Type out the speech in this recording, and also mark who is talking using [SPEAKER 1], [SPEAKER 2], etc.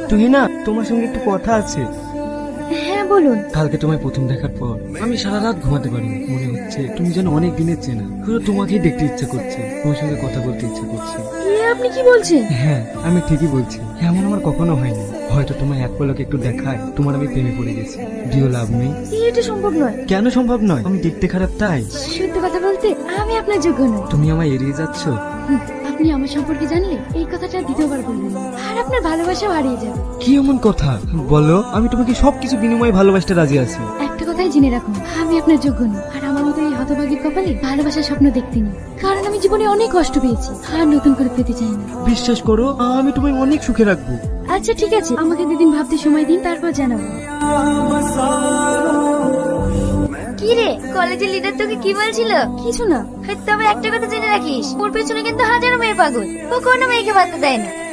[SPEAKER 1] তুহিনা, তোমার সঙ্গে একটু কথা আছে।
[SPEAKER 2] হ্যাঁ বলুন।
[SPEAKER 1] কালকে তোমায় প্রথম দেখার পর আমি সারা রাত ঘুমাতে পারিনি। মনে হচ্ছে তুমি যেন অনেক দিনের চেনা। পুরো তোমাকেই দেখতে ইচ্ছা করছে, তোমার সঙ্গে কথা বলতে ইচ্ছা করছে।
[SPEAKER 2] আপনি কি বলছেন?
[SPEAKER 1] হ্যাঁ, আমি ঠিকই বলছি। এমন আমার কখনো হয়নি। হয়তো তোমার এক পলকে একটু দেখায় তোমার আমি প্রেমে পড়ে গেছি। Do you love me?
[SPEAKER 2] এটা সম্ভব নয়।
[SPEAKER 1] কেন সম্ভব নয়? আমি দেখতে খারাপ তাই?
[SPEAKER 2] সত্যি কথা বলতে আমি আপনার যোগ্য নই।
[SPEAKER 1] তুমি আমায় এড়িয়ে যাচ্ছ।
[SPEAKER 2] আপনি আমার সম্পর্কে জানলে এই কথাটা দ্বিতীয়বার বলবেন না। আর আপনার ভালোবাসাও হারিয়ে যাবে।
[SPEAKER 1] কি এমন কথা বলো? আমি তোমাকে সবকিছু বিনিময়ে ভালোবাসতে রাজি আছি।
[SPEAKER 2] একটা কথাই জেনে রাখুন, আমি আপনার যোগ্য নই। আর আমার মতো এই হতভাগীর কপালে ভালোবাসার স্বপ্ন দেখতে নেই। কারণ আমি জীবনে অনেক কষ্ট পেয়েছি, আর নতুন করে পেতে চাই না।
[SPEAKER 1] বিশ্বাস করো, আমি তোমায় অনেক সুখে রাখবো।
[SPEAKER 2] আচ্ছা ঠিক আছে, আমাকে 2 দিন ভাবতে সময় দিন, তারপর জানাবো।
[SPEAKER 3] কি রে, কলেজের লিডার তোকে কি বলছিল?
[SPEAKER 2] কিছু না।
[SPEAKER 3] তবে একটা কথা জেনে রাখিস, ওর পেছনে কিন্তু হাজারো মেয়ে পাগল। ও কোনো মেয়েকে পাত্তা দেয় না।